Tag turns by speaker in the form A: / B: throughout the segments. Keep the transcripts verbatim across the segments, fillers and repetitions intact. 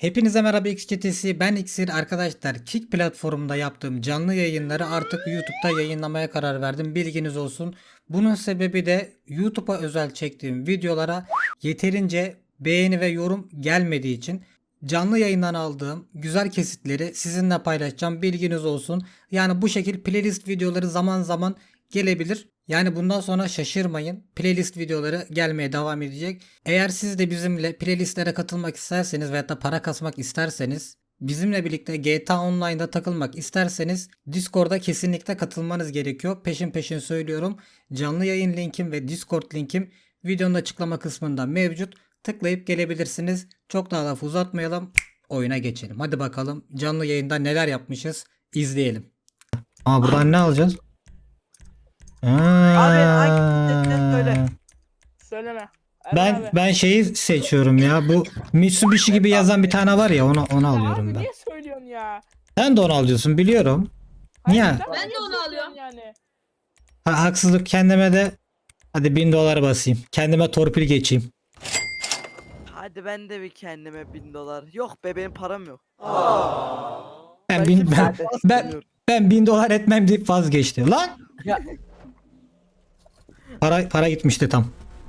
A: Hepinize merhaba X çetesi, ben İksir. Arkadaşlar, Kick platformunda yaptığım canlı yayınları artık YouTube'da yayınlamaya karar verdim, bilginiz olsun. Bunun sebebi de YouTube'a özel çektiğim videolara yeterince beğeni ve yorum gelmediği için canlı yayından aldığım güzel kesitleri sizinle paylaşacağım, bilginiz olsun. Yani bu şekil playlist videoları zaman zaman gelebilir. Yani bundan sonra şaşırmayın. Playlist videoları gelmeye devam edecek. Eğer siz de bizimle playlistlere katılmak isterseniz veyahut da para kasmak isterseniz, bizimle birlikte G T A Online'da takılmak isterseniz Discord'a kesinlikle katılmanız gerekiyor. Peşin peşin söylüyorum. Canlı yayın linkim ve Discord linkim videonun açıklama kısmında mevcut. Tıklayıp gelebilirsiniz. Çok daha lafı uzatmayalım. Oyuna geçelim. Hadi bakalım canlı yayında neler yapmışız izleyelim. Aa, buradan ne alacağız?
B: Abi hangi seçenek söyle.
C: Söyleme. Erhan
A: Ben
C: abi.
A: ben şeyi seçiyorum ya. Bu Mitsubishi gibi yazan bir tane var ya, onu onu
C: Ya
A: alıyorum
C: abi
A: ben.
C: niye söylüyorsun ya?
A: Sen de onu alıyorsun, biliyorum. Niye?
C: Hayır, sen
D: Ben de
C: niye
D: onu
C: söylüyorsun
D: alıyorum.
C: Yani.
A: Ha, haksızlık kendime de hadi bin dolar basayım. Kendime torpil geçeyim.
B: Hadi ben de bir kendime bin dolar. Yok be benim param yok.
A: Ben bin,
B: kimseye
A: ben, ben,
B: basmıyorum.
A: ben bin dolar etmem deyip vazgeçti. Lan!
B: Ya.
A: Para para gitmişti tam.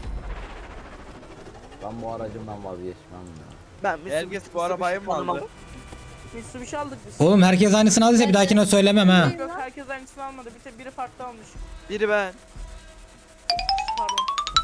E: Ben bu aracımdan vazgeçmem ya.
B: Ben Mitsubishi-
F: Herkes bu arabayı mı
B: Mitsubishi
F: aldı?
C: Mitsubishi aldık biz.
A: Oğlum herkes aynısını aldıysa bir dahakine söylemem ha.
C: Yok herkes aynısını almadı. Bir tek biri farklı almış.
B: Biri ben.
C: Pardon.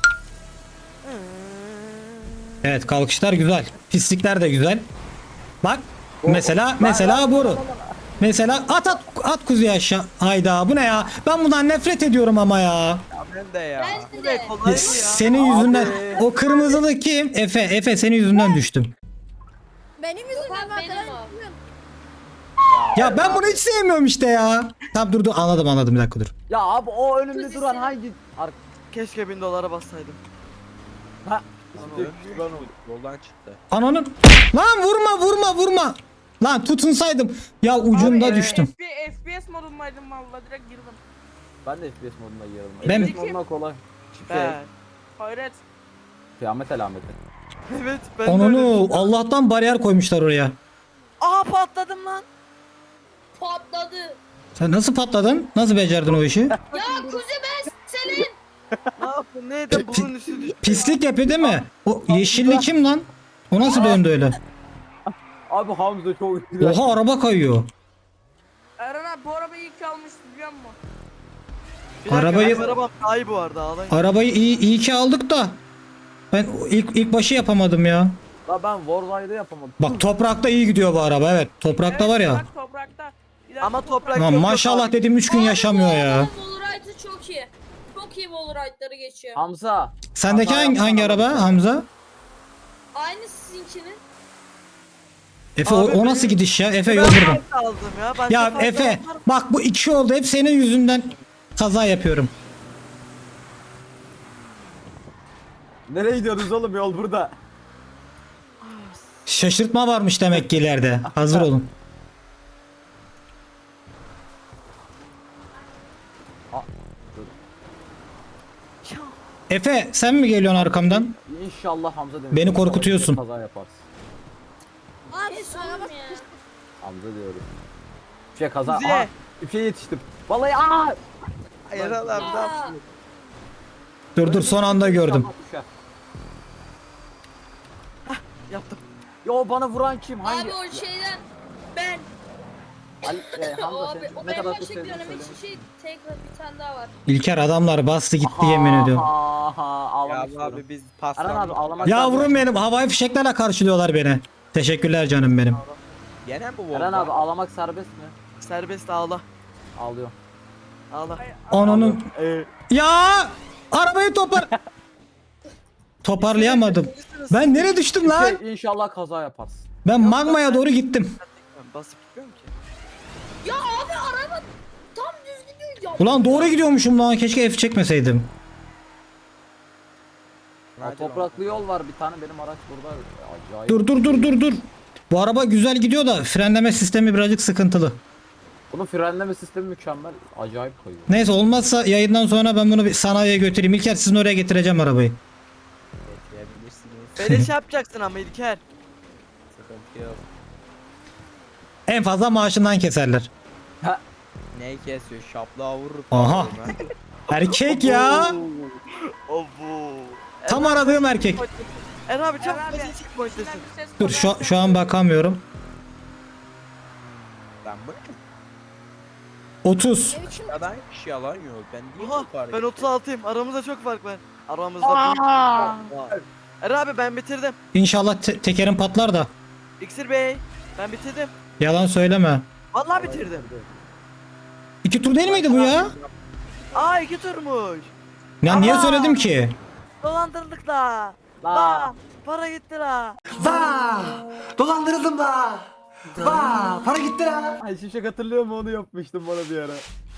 A: Evet, kalkışlar güzel. Pislikler de güzel. Bak mesela mesela boru. Mesela at at at kuzuyu aşağı. Hayda, bu ne ya? Ben bundan nefret ediyorum ama ya.
F: Ya ben de ya.
D: Ben
B: Bu
D: de.
B: ne kolay mı ya?
A: Senin yüzünden o kırmızılı kim? Efe, Efe senin yüzünden düştüm.
D: Benim yüzümden
G: benim
D: ben
G: o.
A: Ya ben bunu hiç sevmiyorum işte ya. Tamam, dur dur, anladım anladım, bir dakika dur.
E: Ya abi o önümde
D: Kuzisi.
E: duran hangi ar
B: Keşke bin dolara bassaydım.
E: ha
F: Lan o yoldan çıktı.
A: Ananın lan, vurma vurma vurma. Lan tutunsaydım. Ya ucunda
C: Abi, e,
A: düştüm.
C: F P F P S modundaydım valla direkt girdim.
E: ben de F P S moduna girdim.
A: Ben-
E: F P S moduna kolay. Şey,
B: Ben.
C: Hayret.
E: kıyamet alameti.
B: Evet ben de öyle
A: Ananı
B: düşünüyorum.
A: Allah'tan bariyer koymuşlar oraya.
B: Aa patladım lan.
G: Patladı.
A: Sen nasıl patladın? Nasıl becerdin o işi?
G: Ya kuzi ben senin.
B: Ne yaptın? Neydi? Bunun üstü düştü.
A: Pislik yapıyor değil mi? O yeşilli kim lan? O nasıl döndü öyle?
E: Abi Hamza çok güzel.
A: Oha, araba kayıyor.
C: Erhan abi bu arabayı ilk almıştı biliyor musun?
B: Bir dakika,
A: Arabayı-
B: benim arabam daha iyi bu arada ağlayın.
A: Arabayı iyi, iyi ki aldık da. Ben ilk ilk başı yapamadım ya.
E: La ben Warzide'ı yapamadım.
A: Bak toprakta iyi gidiyor bu araba, evet. Toprakta
C: Evet,
A: var ya.
C: Bak toprakta. İleride
B: Ama toprak-
A: Lan
B: yok,
A: maşallah
B: abi.
A: dedim, üç gün yaşamıyor ya.
G: Wallride'ı çok iyi. Çok iyi Wallride'ları geçiyor.
E: Hamza.
A: Sendeki
E: Hata
A: hangi, hangi
E: yapsana
A: araba
E: bak.
A: Hamza?
G: Aynı sizinkinin.
A: Efe o,
B: Abi
A: o nasıl
B: benim-
A: gidiş ya? Efe
B: Ben
A: yol buradan.
B: fazla aldım ya. Ben
A: Ya
B: fazla
A: Efe
B: aldım.
A: bak, bu iki oldu, hep senin yüzünden kaza yapıyorum.
E: Nereye gidiyoruz oğlum, yol burada.
A: Şaşırtma varmış demek ki ileride. Hazır olun.
B: Ya,
A: Efe sen mi geliyorsun arkamdan?
E: İnşallah Hamza demiş.
A: Beni
E: İnşallah
A: korkutuyorsun.
E: Kaza yaparsın.
D: Abi
G: Kes
D: araba
G: oğlum ya.
E: Hamza diyorum. Bir şey kaza.
B: Kuziye.
E: Aha, bir şey yetiştim. Vallahi aa.
B: Erhan abi ne yaptın?
A: Dur dur, son anda gördüm.
E: Düşer.
B: Yaptım.
E: Yo, bana vuran kim? Hangi?
G: Abi o şeyden ben.
E: Ali, e,
G: O
E: Hamza
G: abi
E: sen
G: o
E: ne
G: benim
E: kadar
G: başa
E: çok sevdiğini
G: gidiyorum.
E: söyle.
G: Hiç şey tekrar bir tane daha var.
A: İlker, adamlar bastı gitti, yemin ediyorum.
E: Aha,
F: Ya
E: ağlamak
F: bu
E: istiyorum.
F: abi biz
E: Aran abi
F: paslandık.
E: ağlamak
A: Yavrum benim, havai fişeklerle karşılıyorlar beni. Teşekkürler canım benim.
F: Gene mi bu
E: Eren
F: oldu?
E: abi ağlamak serbest mi?
B: Serbest ağla.
E: Ağlıyor.
B: Ağla.
A: Ananın.
E: Ee,
A: Ya arabayı topar. Toparlayamadım. Ben nereye düştüm lan?
E: şey, inşallah kaza yaparsın.
A: Ben magmaya doğru gittim.
B: Ben basıp gitmiyorum ki.
G: Ya abi araba tam düz gidiyor ya.
A: Ulan doğru gidiyormuşum lan. Keşke F çekmeseydim.
E: Ya,
F: Hadi
E: topraklı yol var bir tane, benim araç burada. Acayip.
A: Dur dur dur dur dur. Bu araba güzel gidiyor da frenleme sistemi birazcık sıkıntılı.
E: Bunun frenleme sistemi mükemmel. Acayip kayıyor.
A: Neyse, olmazsa yayından sonra ben bunu bir sanayiye götüreyim. İlker, sizin oraya getireceğim arabayı.
F: Bekleyebilirsiniz.
B: Böyle şey yapacaksın ama İlker.
F: Sıkıntı yok.
A: En fazla maaşından keserler.
F: Neyi kesiyor? Şaplığa vurur.
A: Aha. Erkek ya.
B: Obu.
A: Tam aradığım erkek.
B: Eren abi çabuk
C: Eren abi,
B: kaçın checkpoint'tesin.
C: İçinden bir ses
A: Dur
C: geliyor.
A: şu, şu an bakamıyorum.
F: Ben bu
A: otuz.
D: Ne biçim?
F: kadar kişi yalan yok. Ben değil
B: Oha
F: yukarı
B: ben
F: gittim.
B: otuz altıyım. Aramızda çok fark var. Aramızda büyük fark var. Eren abi ben bitirdim.
A: İnşallah te- tekerim patlar da.
B: İksir Bey ben bitirdim.
A: Yalan söyleme.
B: Vallahi bitirdim.
A: İki tur değil miydi bu ya?
B: Aa iki turmuş.
A: Ya niye
B: Ama-
A: söyledim ki?
B: Dolandırdık la.
E: La.
B: La. Para gitti la.
H: Dolandırıldım da. Vaa para gitti ha.
E: Ay Şimşek hatırlıyor mu, onu yapmıştım bana bir ara.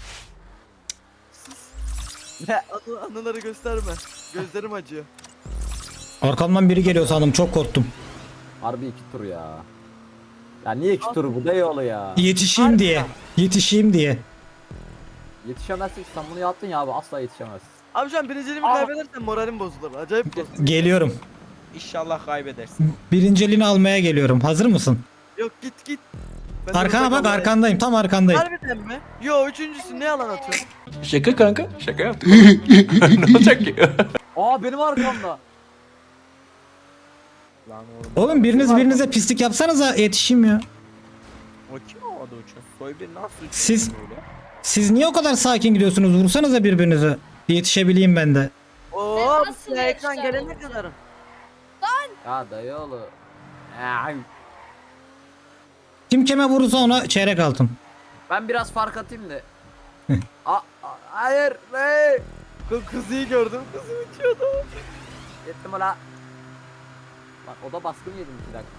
B: Anı, anıları gösterme. Gözlerim acıyor.
A: Arkamdan biri geliyor sandım, çok korktum.
E: Harbi iki tur ya. Ya niye iki tur bu da yolu ya.
A: Yetişeyim diye. Yetişeyim diye.
E: Yetişemezsin, sen bunu yaptın ya abi, asla yetişemezsin.
B: Abi şu an birinciliğimi
E: Aa.
B: kaybedersem moralim bozulur. Acayip bozulur.
A: Geliyorum.
F: İnşallah kaybedersin.
A: Birinciliğini almaya geliyorum. Hazır mısın?
B: Yok git git. Ben de
A: Arkana
B: orada
A: bak,
B: kalmayayım.
A: arkandayım. Tam arkandayım.
B: Harbiden mi? Yo üçüncüsün ne yalan atıyorsun?
H: Şaka kanka. Şaka yaptım. Ne olacak ki?
E: Aa benim arkamda.
F: Lan oğlum.
A: Oğlum biriniz birinize pislik yapsanıza, yetişeyim ya.
F: O kim o adı uçuyor? Soy bir nasıl uçuyor
A: Siz-
F: böyle?
A: Siz niye o kadar sakin gidiyorsunuz? Vursanıza birbirinize. Yetişebileyim ben de.
B: Oo
G: nasıl
B: bu ekran
G: yaşar
B: gelene
G: oğlum?
B: kadarım.
E: Ya dayı oğlu. Ay.
A: Kim kime vurursa ona çeyrek altın.
E: Ben biraz fark atayım da. Aa, aa, hayır. Ne?
B: Kız kızıyı gördüm. Kızı uçuyordu.
E: Yettim ola. Bak o da baskın yedim iki dakika.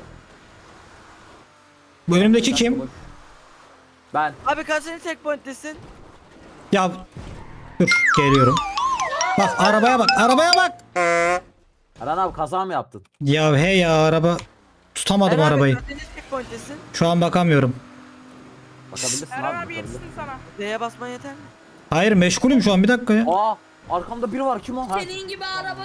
A: Bu önümdeki
E: Bir
A: kim?
E: dakika boş. Ben.
B: Abi kaçıncı checkpoint'tesin?
A: Ya dur, geliyorum. Bak arabaya bak, arabaya bak.
E: Eren abi kaza mı yaptın?
A: Ya hey ya, araba tutamadım
B: Eren abi
A: arabayı.
B: kaçıncı checkpoint'tesin?
A: Şu an bakamıyorum.
E: Bakabilirsin
C: Eren
E: abi.
C: abi
E: bakabilirsin.
C: yetişsin sana.
B: D'ye basman yeter mi?
A: Hayır, meşgulüm şu an, bir dakika ya.
E: Aa arkamda biri var, kim o? Ha.
G: Senin gibi araba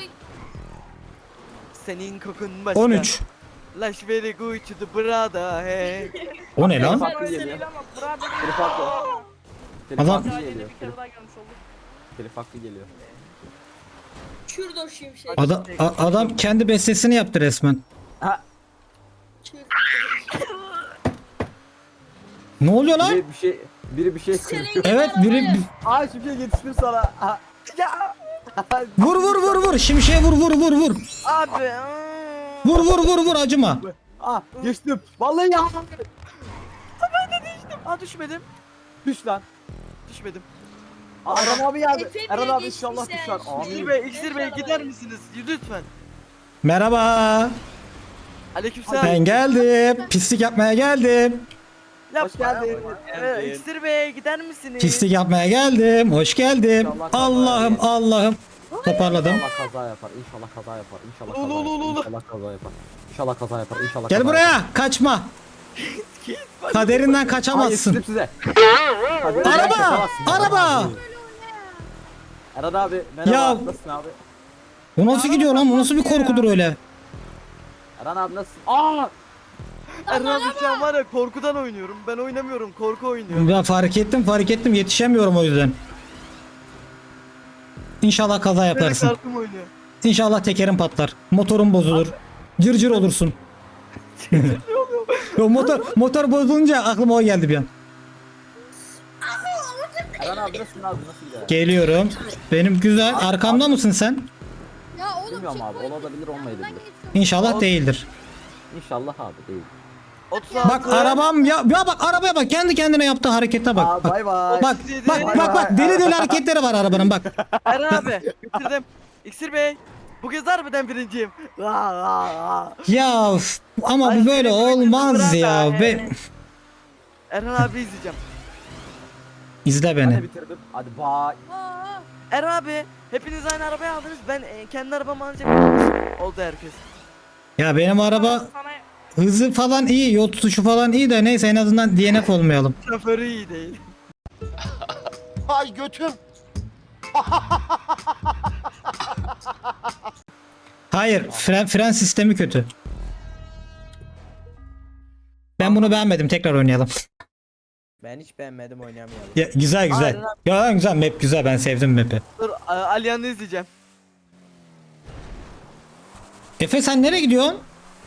B: Senin kokun başka.
A: on üç.
B: Laş very good to the brother hey.
A: O ne lan?
E: Farklı
C: Öyle
E: geliyor.
C: değil ama burada
E: Telif haklı. Telif
A: Adam-
E: haklı
C: daha yeni
E: geliyor.
C: bir
E: Telif,
C: kere daha görmüş olduk.
E: telif haklı geliyor.
G: Kürdo şimşek.
A: Adam, a- adam kendi bestesini yaptı resmen.
E: Ha,
A: Ne oluyor lan?
E: biri bir şey biri bir şey
G: Senin
E: kırıyor.
G: gibi
A: Evet, biri
G: arabaya-
E: Aa şimdi yetiştim sana. Ha. Ya.
A: vur vur vur vur, şimşeğe vur vur vur vur.
B: Abi. ıı.
A: Vur vur vur vur, acıma.
E: Ah geçtim. Vallahi ya.
B: Aa düşmedim.
E: Düş lan.
B: Düşmedim.
E: Aa, Eren abi geldi.
G: Efe
E: Eren
G: bile
E: abi
G: geçti
E: inşallah
G: sen.
E: düşer.
B: İksir
E: Amin.
B: Bey, İksir Bey gider misiniz? Lütfen.
A: Merhaba.
B: Aleykümselam.
A: Ben geldim. Pislik yapmaya geldim.
B: Yapma.
E: Hoş geldin.
B: Ee, İksir Bey gider misiniz?
A: Pislik yapmaya geldim. Hoş geldim.
E: İnşallah kaza
A: Allah'ım
E: yapar.
A: Allah'ım. Toparladım.
E: İnşallah kaza yapar. İnşallah kaza yapar. İnşallah kaza
B: Ulu, ulu, ulu.
E: yapar. İnşallah kaza yapar. İnşallah kaza yapar. İnşallah
A: Gel
E: kaza
A: buraya.
E: yapar.
A: Kaçma. Kaderinden
E: Aa,
A: kaçamazsın.
E: yetiştim size. Hadi,
A: Araba!
E: kaçamazsın.
A: Araba!
E: Eren abi merhaba.
A: Ya-
E: Nasılsın abi?
A: O nasıl gidiyor lan? O nasıl bir korkudur öyle?
E: Eren abi nasılsın? Aa!
B: Erhan abi şu an var ya korkudan oynuyorum. Ben oynamıyorum. Korku oynuyorum.
A: Ya fark ettim fark ettim. Yetişemiyorum o yüzden. İnşallah kaza
B: Benim
A: yaparsın.
B: kartım oynuyor.
A: İnşallah tekerin patlar. Motorun bozulur. Cırcır olursun. Yo, motor motor bozulunca aklıma o geldi bir an.
E: Eren abi nasılsın abi? Nasıl gidiyor?
A: Geliyorum. Benim güzel. Arkamda mısın sen?
D: Ya oğlum
E: Bilmiyorum abi,
D: checkpoint
E: olabilir, olmayabilir.
D: yanından geçiyorum.
A: İnşallah değildir.
E: İnşallah abi değil.
B: otuz altı.
A: Bak arabam ya, ya bak arabaya bak, kendi kendine yaptığı harekete bak. Bak
E: bay bay.
A: bak bak bak, bak deli deli hareketleri var arabanın bak.
B: Erhan abi bitirdim. İksir Bey. Bu kez harbiden birinciyim. Aa, aa, aa.
A: Ya üf, ama bu böyle olmaz ya. Be...
B: Erhan abi izleyeceğim.
A: İzle
E: Ben
A: beni.
E: de bitirdim. Hadi bay.
D: Aa,
B: Erhan abi hepiniz aynı arabayı aldınız. Ben e, kendi arabamı alacağım. Oldu herkes.
A: Ya benim araba
C: Sana
A: hızı falan iyi, yol tutuşu falan iyi de neyse, en azından D N F olmayalım.
B: Şoförü iyi değil.
H: Ay götüm.
A: Hayır, fren, fren sistemi kötü. Ben bunu beğenmedim. Tekrar oynayalım.
F: Ben hiç beğenmedim oynamayalım.
A: Ya, güzel güzel.
B: Aynen abi.
A: Ya güzel map güzel. Ben sevdim map'i.
B: Dur A- Aliyan'ı izleyeceğim.
A: Efe sen nereye gidiyorsun?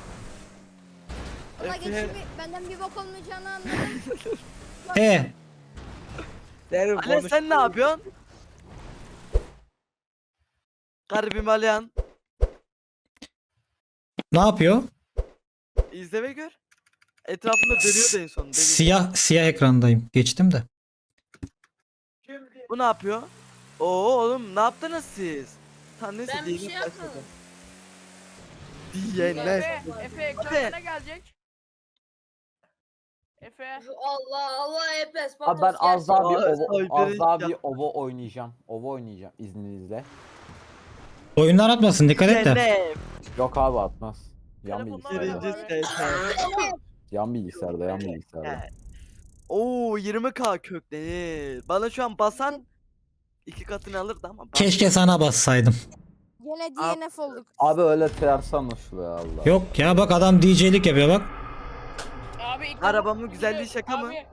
D: Valla
B: Efe.
D: geçimi benden bir bok olmayacağını anladım.
A: He.
F: Derin
B: Aliyan
F: konuş.
B: sen ne yapıyorsun? Garibim Aliyan.
A: Ne yapıyor?
B: İzle ve gör. Etrafında dönüyor da en son. deli.
A: Siyah siyah ekrandayım. Geçtim de.
B: Bu ne yapıyor? Oo oğlum ne yaptınız siz? Tam neyse
G: Ben bir
B: diyelim
G: şey yapmadım.
B: Diyelim.
C: Efe, Efe ekranda
B: Efe.
C: ne gelecek? Efe.
G: Allah Allah hepes.
E: Abi ben az daha bir
B: Aa,
E: ovo,
B: Soyber'in
E: az daha
B: ya.
E: bir ovo oynayacağım. Ovo oynayacağım izninizle.
A: Oyundan atmasın. Dikkat et de.
B: Cennet.
E: Yok abi atmaz. Yan
C: Telefondan
E: bilgisayarda.
B: Birinci
C: Abi.
B: ses.
E: Yan bilgisayarda, yan bilgisayarda.
B: Oo yirmi k köklenir. Bana şu an basan iki katını alırdı ama. bas-
A: Keşke sana bassaydım.
D: Gene D N F olduk.
E: Abi öyle ters anlaşılıyor Allah.
A: Yok ya bak adam D J'lik yapıyor bak.
C: Abi ilk
B: Arabamın
C: defa-
B: güzelliği şaka mı?
C: Abi,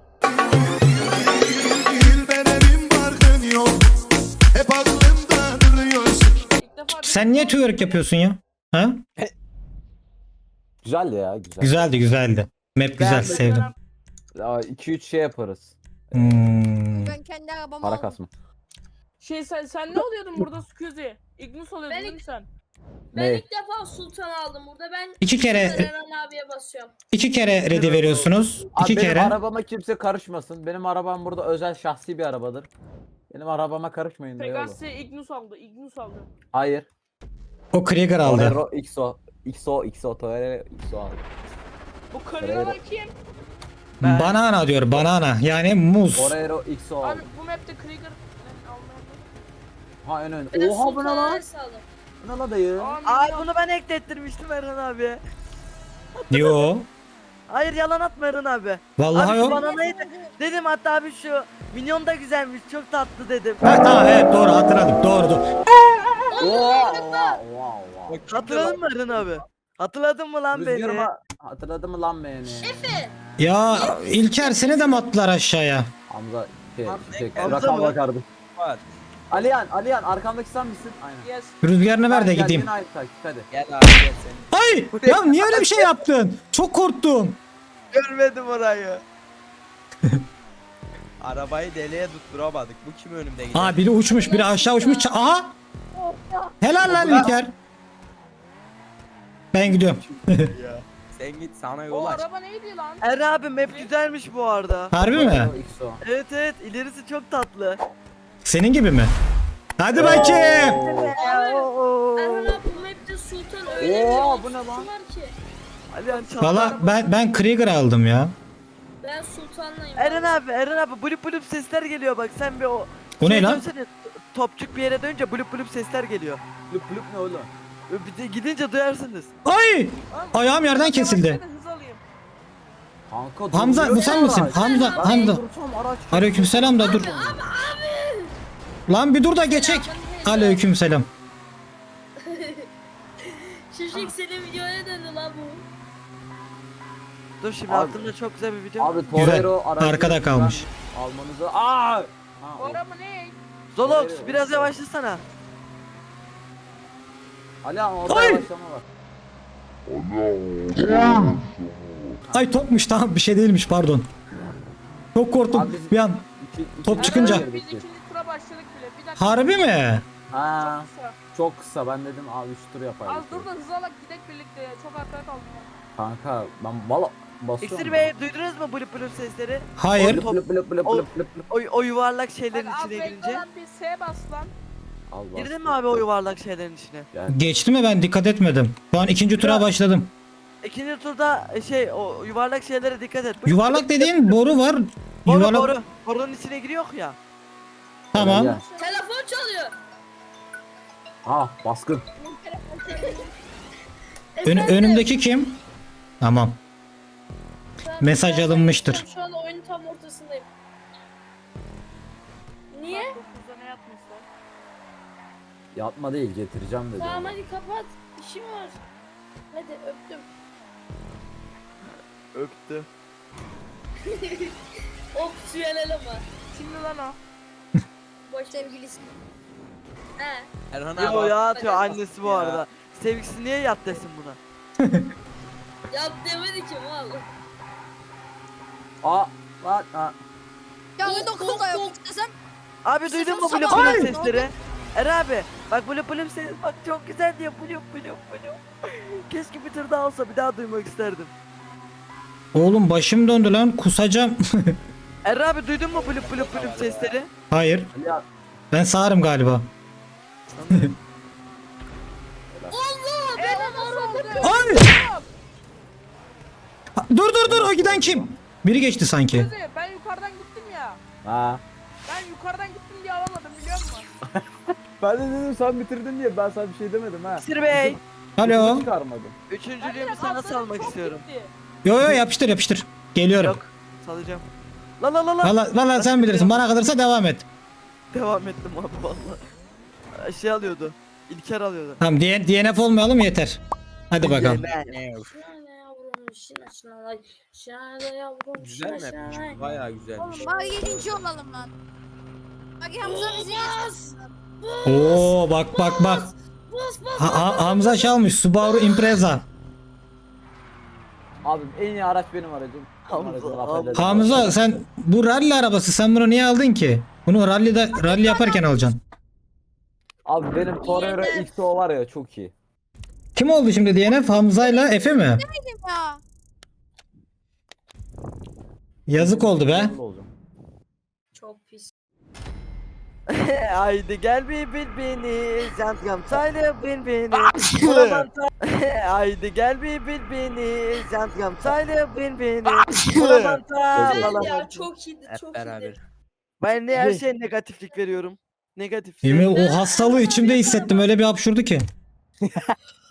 I: Benim farkın yok. Hep aklımda duruyorsun.
C: ilk defa bir-
A: Sen niye twerk yapıyorsun ya? Ha?
E: Güzel ya güzel.
A: Güzeldi güzeldi. Map güzel
B: Beğenmedim.
A: sevdim.
E: iki üç şey yaparız.
A: Hmm.
D: Ben kendi arabamı
E: Para
D: aldım.
E: kasma.
C: Şey sen sen ne oluyordun burada Scuzi? Ignus oluyordun
G: Ben
C: değil mi sen?
G: Ben
E: Ne?
G: ilk defa Sultan aldım burada. Ben
A: İki kere
G: Eren abiye basıyorum.
A: iki kere ready veriyorsunuz.
E: Abi
A: İki
E: benim
A: kere.
E: arabama kimse karışmasın. Benim arabam burada özel şahsi bir arabadır. Benim arabama karışmayın diyor oğlum.
C: Pegasi Ignus aldı. Ignus aldı.
E: Hayır.
A: O Krieger aldı.
E: Torero X O. X O, X O, Torero X O aldı.
C: Bu kırılan kim?
B: Ben-
A: Banana diyor banana. Yani muz.
E: Torero X O
C: Abi
E: aldı.
C: bu map'te Krieger almayan
E: Ha en ön.
G: Ben de
E: Oha bu ne
G: Sultan
E: lan?
G: Ares aldım.
E: Bu ne lan dayı?
B: Ay bunu ben eklettirmiştim Erhan abi.
A: Yo.
B: Hayır yalan atma Erhan abi.
A: Vallahi
B: Abi şu
A: yok.
B: bananayı da- dedim hatta abi şu minyon da güzelmiş çok tatlı dedim.
A: Ha, tamam evet doğru hatırladım. Doğru doğru.
E: Oha oha oha oha.
B: Hatırladın mı Erhan abi? Hatırladın mı lan beni?
E: Rüzgarıma hatırladın mı lan beni?
A: Ya İlker seni de mi attılar aşağıya?
E: Hamza şey,
F: Hamza-
E: şey,
B: Hamza
E: rakam
B: mı?
E: bakardı.
F: Var.
E: Aliyan, Aliyan arkamdaki sen misin? Aynen.
C: Yes.
A: Rüzgarını ver de
E: Gel,
A: gideyim.
E: yine aynı takip hadi.
F: Gel abi gel sen.
A: Ay ya niye öyle bir şey yaptın? Çok korktum.
B: Görmedim orayı.
F: Arabayı deliğe tutturamadık. Bu kim önümde gidiyor?
A: Aa biri uçmuş biri aşağı uçmuş. Ça- Aha. Helal lan İlker. Ben gidiyorum.
F: Sen git sana yol
C: O
F: aç.
C: araba neydi lan?
B: Erhan abi map güzelmiş bu arada.
A: Harbi mi?
E: Torero X O.
B: Evet evet ilerisi çok tatlı.
A: Senin gibi mi? Hadi bakayım.
B: Oo.
G: Erhan abi bu map'te Sultan öyle
E: Oha,
G: bir
E: bu ne
G: otusu
E: lan?
G: var ki.
B: Alihan çatlar.
A: Valla ben ben Krieger aldım ya.
G: Ben Sultan'layım.
B: Eren abi Eren abi blup blup sesler geliyor bak sen bir o.
A: O ne
B: Şey
A: lan?
B: dönsene, Topçuk bir yere dönünce blup blup sesler geliyor.
E: Lüp lüp ne oğlum?
B: Bir de gidince duyarsınız.
A: Ay! Ayağım yerden kesildi.
C: Yavaşla da hız alayım.
E: Kanka
A: Hamza
E: duruyor
A: bu sen
E: ya
A: misin?
E: araç.
A: Hamza
E: Ben
A: Hamza.
E: dursam araç.
A: Aleykümselam da dur. Lan bir dur da geçek. Aleykümselam.
G: Şişik senin videoya döndü lan bu.
B: Dur şimdi
E: Abi-
B: aklımda çok güzel bir video.
E: Abi
A: Güzel.
E: Torero aracı
A: Arkada kalmış.
E: almanızı. Aa! Ha,
C: O
E: o.
C: araba ne?
B: Zolox biraz yavaşlasana.
E: Alihan orada
A: Ay!
E: yavaşlama var.
A: Ay topmuş tamam bir şey değilmiş pardon. Çok korktum
E: Abi biz-
A: bir an.
E: İki, iki
A: Top
E: iki
A: çıkınca.
E: girdik
C: Biz
E: biz.
C: ikinci tura başladık bile. Bir dakika.
A: Harbi mi?
E: Ha,
C: Çok kısa.
E: çok kısa ben dedim abi üç tur yapayım.
C: Az dur da hız alak gidek birlikte. Çok arkaya kaldım.
E: Kanka ben valla basıyorum.
B: İksir Bey duydunuz mu blup blup sesleri?
A: Hayır.
E: Blip blip blip blip
B: O-
E: blip blip.
B: O, o yuvarlak şeylerin
C: Hadi az
B: içine
C: bekle
B: girince.
C: lan bir S bas lan.
E: Al bas.
B: Girdin mi abi o yuvarlak şeylerin içine?
A: Geçti mi ben dikkat etmedim. Şu an ikinci tura
B: Ya.
A: başladım.
B: İkinci turda e, şey o yuvarlak şeylere dikkat et. Blup
A: Yuvarlak
B: blup-
A: dediğin boru var.
B: Boru
A: Yuvarlak.
B: boru. Borunun içine giriyor ya.
A: Tamam.
E: Gel.
G: Telefon çalıyor.
E: Ha baskın.
A: Ön- önümdeki kim? Tamam.
G: Ben-
A: mesaj
G: ben-
A: alınmıştır.
G: Şu an oyunun tam ortasındayım. Niye?
C: dokuzda ne yapmışlar?
E: Yatma değil getireceğim dedi.
G: Tamam hadi kapat. İşim var. Hadi öptüm.
B: Öptü.
G: Opsiyonel ama.
C: Şimdi lan o.
G: Boş ver.
D: Sevgilisi.
G: He.
F: Erhan
B: Yo
F: abi.
B: ya atıyor annesi bu
F: Ya.
B: arada. Sevgilisi niye yat desin buna?
G: Yap demedi ki mal.
E: Aa lan aa.
D: Ya
G: Of,
D: bir dokuz da yok desem.
B: Abi duydun mu
D: Sabah-
B: blue
D: Ay!
B: blue sesleri? Er abi bak blue blue ses bak çok güzel diyor blue blue blue. Keşke bir tır daha olsa bir daha duymak isterdim.
A: Oğlum başım döndü lan, kusacağım.
B: Er abi duydun mu blue blue blue sesleri?
A: Hayır.
E: Ali abi.
A: Ben sağırım galiba.
G: Allah ben araba.
A: Ay! Dur dur dur, o giden kim? Biri geçti sanki.
C: Kızı ben yukarıdan gittim ya.
E: Ha.
C: Ben yukarıdan gittim diye alamadım biliyor musun?
E: Ben de dedim sen bitirdin diye ben sana bir şey demedim ha.
B: Sir Bey.
A: Alo.
E: Çıkarmadım.
B: Üçüncülüğümü
C: Ben
B: sana
C: atladım,
B: salmak
C: çok
B: istiyorum.
C: gitti.
A: Yo yo, yapıştır yapıştır. Geliyorum.
B: Yok salacağım. La la la la.
A: Valla valla sen bilirsin, bana kalırsa devam et.
B: Devam ettim abi valla. Şey alıyordu. İlker alıyordu.
A: Tamam, D N F olmayalım yeter. Hadi bakalım.
G: Şahane yavrum şina şina lay. Şahane yavrum
F: Güzel
G: şina şina
F: mapmiş.
G: lay.
F: Bayağı güzelmiş.
D: Oğlum bak yedinci olalım lan. Bak Hamza bizi geçsin.
A: Oo bak bak bak.
G: Bas bas.
A: Ha- Ha- Hamza çalmış Subaru Impreza.
E: Abim en iyi araç benim aracım.
B: Hamza,
E: Aracı
B: Hamza.
E: affedersin.
A: Hamza sen bu rally arabası, sen bunu niye aldın ki? Bunu rally'de rally yaparken alacaksın.
E: Abi benim Torero X O var ya çok iyi.
A: Kim oldu şimdi D N F? Hamza'yla Efe mi?
D: Ya.
A: Yazık oldu be.
E: Yanında olacağım.
G: Çok pis.
B: Haydi gel bir bil beni, Jantkam sayla bil beni. Bulamanta. Haydi gel bir bil beni, Jantkam sayla bil beni. Bulamanta.
G: Güzel ya
B: Bulamanta.
G: çok iyiydi
F: Hep
G: çok
F: beraber.
G: iyiydi.
B: Ben ne her şeye negatiflik veriyorum. Negatif.
A: Yemin o hastalığı içimde hissettim, öyle bir hapşurdu ki.